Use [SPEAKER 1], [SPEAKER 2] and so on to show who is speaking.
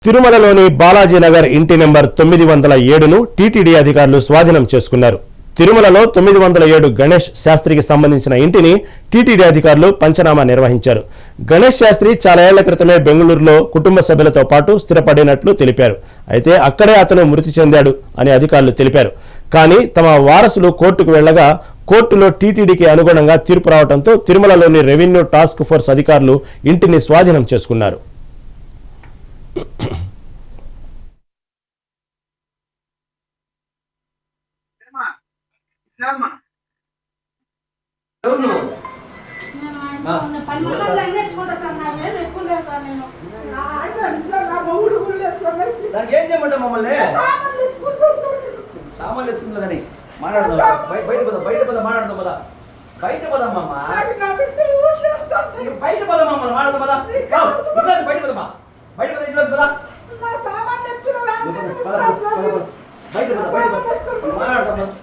[SPEAKER 1] తిరుమలలోని బాలాజీనగర్ ఇంటి number 907ను TTD అధికారులు స్వాధీనం చేసుకున్నారు. తిరుమలలో 907 గణేష్ శాస్త్రికి సంబంధించిన ఇంటిని టీటీడీ అధికారులు పంచనామా నిర్వహించారు. గణేష్ శాస్త్రి చాలా ఏళ్ల క్రితమే బెంగళూరులో కుటుంబ సభ్యులతో పాటు స్థిరపడినట్లు తెలిపారు. అయితే అక్కడే అతను మృతి చెందాడు అని అధికారులు తెలిపారు. కానీ తమ వారసులు కోర్టుకు వెళ్లగా కోర్టులో టీటీడీకి అనుగుణంగా తీర్పు రావడంతో తిరుమలలోని రెవెన్యూ టాస్క్ ఫోర్స్ అధికారులు ఇంటిని స్వాధీనం చేసుకున్నారు.
[SPEAKER 2] ఏం చేయమంటా మమ్మల్ని సామాన్లు ఎత్తుకుందని మాట్లాడదాం. బయట పద మాట్లాడదాం పదా. బయట పదమ్మా బయట పదమ్మా మాట్లాడదాం పదా. ఇంట్లో బయట పదమ్మా. బయట పద ఇంట్లో పదా. బయట పద మాట్లాడదాం.